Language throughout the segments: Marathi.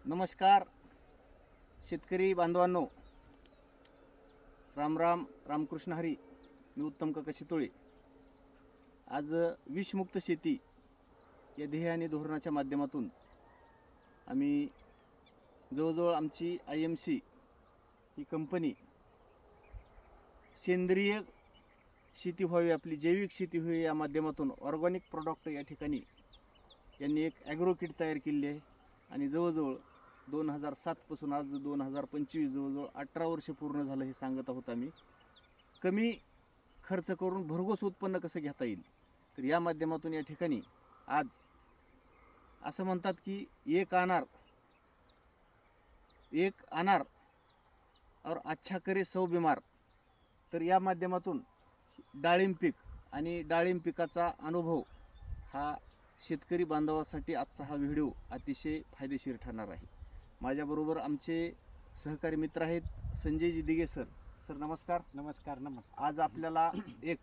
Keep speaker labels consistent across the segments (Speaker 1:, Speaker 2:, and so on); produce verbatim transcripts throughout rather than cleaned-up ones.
Speaker 1: नमस्कार शेतकरी बांधवांनो, राम राम रामकृष्ण हरी. मी उत्तम काका शितोळे. आज विषमुक्त शेती या ध्येय आणि धोरणाच्या माध्यमातून आम्ही जवळजवळ आमची आय एम सी ही कंपनी सेंद्रिय शेती व्हावी, आपली जैविक शेती व्हावी या माध्यमातून ऑर्गॅनिक प्रॉडक्ट या ठिकाणी यांनी एक ॲग्रो किट तयार केलेली आहे. आणि जवळजवळ दोन हजार सातपासून आज दोन हजार पंचवीस जवळजवळ अठरा वर्ष पूर्ण झालं हे सांगत आहोत आम्ही. कमी खर्च करून भरघोस उत्पन्न कसं घेता येईल, तर या माध्यमातून या ठिकाणी आज असं म्हणतात की एक अनार एक अनार और अच्छा करे सौ बिमार. तर या माध्यमातून डाळिंब पीक आणि डाळिंब पिकाचा अनुभव हा शेतकरी बांधवासाठी आजचा हा व्हिडिओ अतिशय फायदेशीर ठरणार आहे. माझ्याबरोबर आमचे सहकारी मित्र आहेत संजयजी दिघे सर. सर नमस्कार.
Speaker 2: नमस्कार नमस्कार.
Speaker 1: आज आपल्याला एक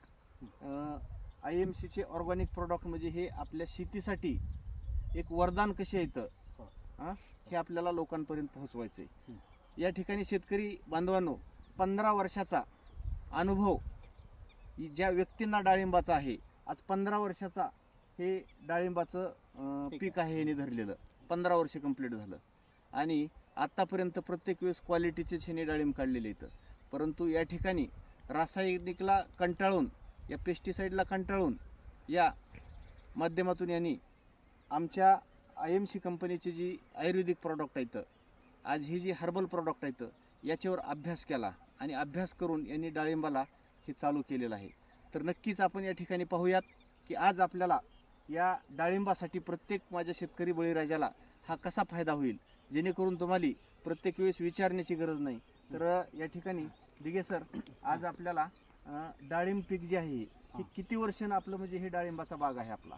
Speaker 1: आय एम सीचे ऑर्गॅनिक प्रॉडक्ट म्हणजे हे आपल्या शेतीसाठी एक वरदान कसे येतं हां हे आपल्याला लोकांपर्यंत पोहोचवायचं आहे. या ठिकाणी शेतकरी बांधवांनो, पंधरा वर्षाचा अनुभव ज्या व्यक्तींना डाळिंबाचा आहे, आज पंधरा वर्षाचा हे डाळिंबाचं पीक आहे हे धरलेलं. पंधरा वर्ष कंप्लीट झालं आणि आत्तापर्यंत प्रत्येक वेळेस क्वालिटीचेच ह्याने डाळिंब काढलेले इथं. परंतु या ठिकाणी रासायनिकला कंटाळून, या पेस्टिसाईडला कंटाळून या माध्यमातून यांनी आमच्या आय एम सी कंपनीची जी आयुर्वेदिक प्रॉडक्ट आहेत, आज ही जी हर्बल प्रॉडक्ट आहेत, याच्यावर अभ्यास केला आणि अभ्यास करून यांनी डाळिंबाला हे चालू केलेलं आहे. तर नक्कीच आपण या ठिकाणी पाहूयात की आज आपल्याला या डाळिंबासाठी प्रत्येक माझ्या शेतकरी बळीराजाला हा कसा फायदा होईल, जेणेकरून तुम्हाला प्रत्येक वेळेस विचारण्याची गरज नाही. तर या ठिकाणी दिघे सर, आज आपल्याला डाळिंब पीक जे आहे हे किती वर्षानं आपलं म्हणजे हे डाळिंबाचा बाग आहे आपला?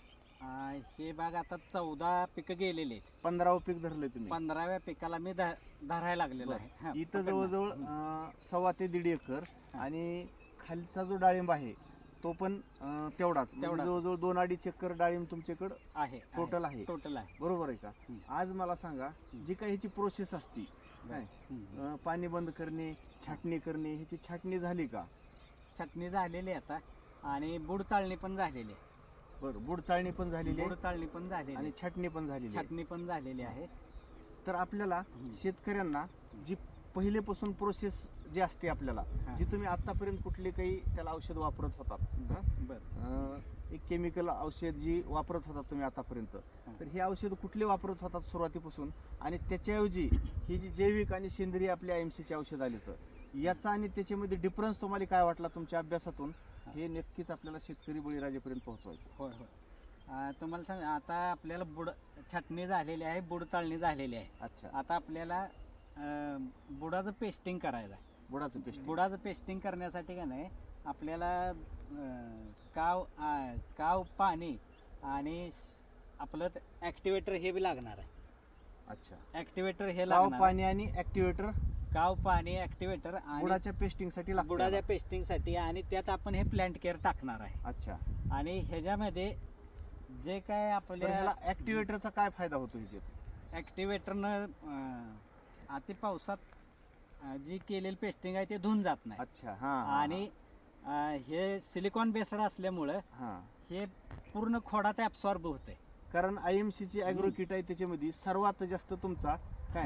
Speaker 2: आ, हे बाग आता चौदा पिकं गेलेले आहेत.
Speaker 1: पंधरावं पीक धरलंय तुम्ही?
Speaker 2: पंधराव्या पिकाला मी ध- धरायला लागलेलो आहे. हा,
Speaker 1: इथं
Speaker 2: पकड ना.
Speaker 1: जवळजवळ अं, सव्वा ते दीड एकर आणि खालचा जो डाळिंब आहे तो पण अं, तेवढाच म्हणजे
Speaker 2: तेवढाच.
Speaker 1: जवळजवळ दोन अडीच एकर डाळिंब तुमच्याकडं
Speaker 2: आहे
Speaker 1: टोटल आहे.
Speaker 2: टोटल आहे.
Speaker 1: बरोबर आहे का?
Speaker 2: हं.
Speaker 1: आज मला सांगा, जी काही ह्याची प्रोसेस असती काय,
Speaker 2: हम्म.
Speaker 1: अं, पाणी बंद करणे, छाटणी करणे, ह्याची छाटणी झाली का?
Speaker 2: चटणी झालेली आहे आता आणि बुड चाळणी पण झालेली आहे.
Speaker 1: बरं, बुड चाळणी पण झालेली
Speaker 2: बुड
Speaker 1: आहे
Speaker 2: चाळणी पण झालेली
Speaker 1: आणि
Speaker 2: आहे.
Speaker 1: छाटणी पण झालेली आहे.
Speaker 2: छाटणी पण झालेली आहे.
Speaker 1: तर आपल्याला
Speaker 2: हं.
Speaker 1: शेतकऱ्यांना जी पहिलेपासून प्रोसेस जी असते आपल्याला,
Speaker 2: हा.
Speaker 1: जी तुम्ही आतापर्यंत कुठले काही त्याला औषध वापरत होतात, हं?
Speaker 2: बरं.
Speaker 1: अं, एक केमिकल औषध जी वापरत होतात तुम्ही आतापर्यंत,
Speaker 2: हा.
Speaker 1: तर हे औषध कुठले वापरत होतात सुरुवातीपासून, आणि त्याच्याऐवजी ही जी जैविक आणि सेंद्रिय आपल्या आय एम सीचे औषध आले, तर याचा आणि त्याच्यामध्ये डिफरन्स तुम्हाला काय वाटला तुमच्या अभ्यासातून, हे नक्कीच आपल्याला शेतकरी बळीराजापर्यंत पोहोचवायचं.
Speaker 2: होय होय. आ, तुम्हाला सांग, आता आपल्याला बुड छाटणी झालेली आहे, बुड चाळणी झालेली आहे.
Speaker 1: अच्छा,
Speaker 2: आता आपल्याला अं, बुडाचं पेस्टिंग करायचं आहे.
Speaker 1: बुडाचं पेस्ट.
Speaker 2: बुडाचं पेस्टिंग करण्यासाठी का नाही आपल्याला अं, काव आ, काव पाणी आणि स- आपलं ॲक्टिवेटर हे बी लागणार आहे.
Speaker 1: अच्छा,
Speaker 2: ॲक्टिवेटर हे
Speaker 1: काव
Speaker 2: लागणार आहे.
Speaker 1: पाणी आणि ऍक्टिव्हेटर
Speaker 2: काव पाणी ॲक्टिवेटर आणि
Speaker 1: बुडाच्या पेस्टिंग साठी लागतं.
Speaker 2: बुडाच्या पेस्टिंगसाठी, आणि त्यात आपण हे प्लांट केअर टाकणार आहे.
Speaker 1: अच्छा,
Speaker 2: आणि ह्याच्यामध्ये जे काय
Speaker 1: तर
Speaker 2: आपल्या
Speaker 1: ह्याला ऍक्टिव्हेटरचा काय फायदा होतो ह्याच्यात?
Speaker 2: ॲक्टिवेटरनं अं, अति पावसात अं, जी केलेली पेस्टिंग आहे ते धुवून जात नाही.
Speaker 1: अच्छा, हा हा,
Speaker 2: आणि अं, हे सिलिकॉन बेस्ड असल्यामुळं
Speaker 1: हा,
Speaker 2: हे पूर्ण खोडात ॲब्सॉर्ब होते.
Speaker 1: कारण आय एम सीची ॲग्रो किट आहे, त्याच्यामध्ये सर्वात जास्त तुमचा काय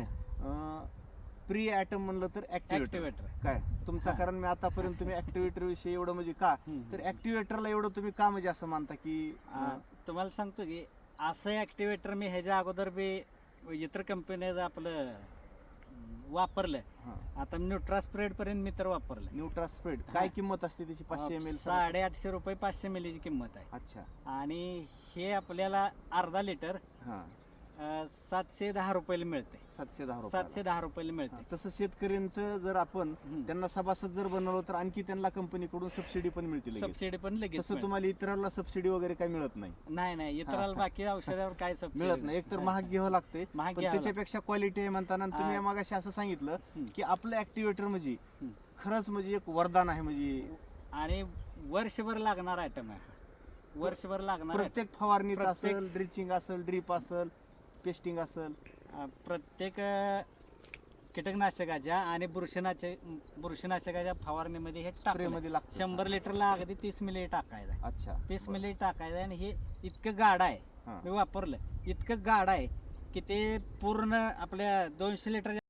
Speaker 1: प्री ॲटम म्हणलं तर ऍक्टिव्हेटर
Speaker 2: ॲक्टिवेटर
Speaker 1: काय तुमचा,
Speaker 2: हा.
Speaker 1: कारण मी आतापर्यंत तुम्ही ऍक्टिव्हेटर विषयी एवढं म्हणजे का, तर ऍक्टिव्हेटरला एवढं तुम्ही का म्हणजे असं मानता की अं,
Speaker 2: तुम्हाला सांगतो की असं ॲक्टिवेटर मी ह्याच्या अगोदर बी इतर कंपनीचं आपलं अं, वापरलं.
Speaker 1: हा,
Speaker 2: आता न्यूट्रा स्प्रेड पर्यंत मी तर वापरलं.
Speaker 1: न्यूट्रा स्प्रेड काय किंमत असते त्याची? पाचशे एम एल.
Speaker 2: साडेआठशे रुपये पाचशे मिलीची किंमत आहे.
Speaker 1: अच्छा,
Speaker 2: आणि हे आपल्याला अर्धा लिटर
Speaker 1: हा,
Speaker 2: अं, सातशे दहा रुपयाला मिळते.
Speaker 1: सातशे दहा रुपये.
Speaker 2: सातशे दहा रुपयाला मिळते.
Speaker 1: तसं शेतकऱ्यांचं जर आपण
Speaker 2: हम्म.
Speaker 1: त्यांना सभासद जर बनवलं तर आणखी त्यांना कंपनीकडून सबसिडी पण मिळते लगेच.
Speaker 2: सबसिडी पण लगेच
Speaker 1: तसं
Speaker 2: मिळते.
Speaker 1: तुम्हाला इतरांना सबसिडी वगैरे काही मिळत नाही.
Speaker 2: नाही नाही, इतराला बाकी औषधावर काय सबसिडी
Speaker 1: मिळत नाही. एकतर महाग घ्यावं लागते,
Speaker 2: महाग
Speaker 1: पण
Speaker 2: घ्यावं
Speaker 1: त्याच्यापेक्षा क्वालिटी आहे म्हणताना. आणि तुम्ही
Speaker 2: हा.
Speaker 1: मागाशी असं सांगितलं
Speaker 2: हम्म.
Speaker 1: की आपलं ऍक्टिव्हेटर म्हणजे
Speaker 2: हम्म.
Speaker 1: खरंच म्हणजे एक वरदान आहे. म्हणजे
Speaker 2: आणि वर्षभर लागणार आयटम आहे. वर्षभर लागणार item.
Speaker 1: प्रत्येक फवारणीत
Speaker 2: प्रत्येक-
Speaker 1: असेल, ड्रिचिंग असेल, ड्रीप असेल, पेस्टिंग असेल,
Speaker 2: अं, प्रत्येक अं, कीटकनाशकाच्या आणि बुरशीनाशक बुरशीनाशकाच्या फवारणीमध्ये हे
Speaker 1: स्प्रे
Speaker 2: टाकलं
Speaker 1: मध्ये लागतं
Speaker 2: शंभर लिटरला अगदी तीस मिली टाकायचं आहे.
Speaker 1: अच्छा
Speaker 2: तीस
Speaker 1: बरं.
Speaker 2: मिली टाकायचं आहे आणि हे इतकं गाढ आहे
Speaker 1: हां.
Speaker 2: मी वापरलं इतकं गाढ आहे की ते पूर्ण आपल्या दोनशे लिटर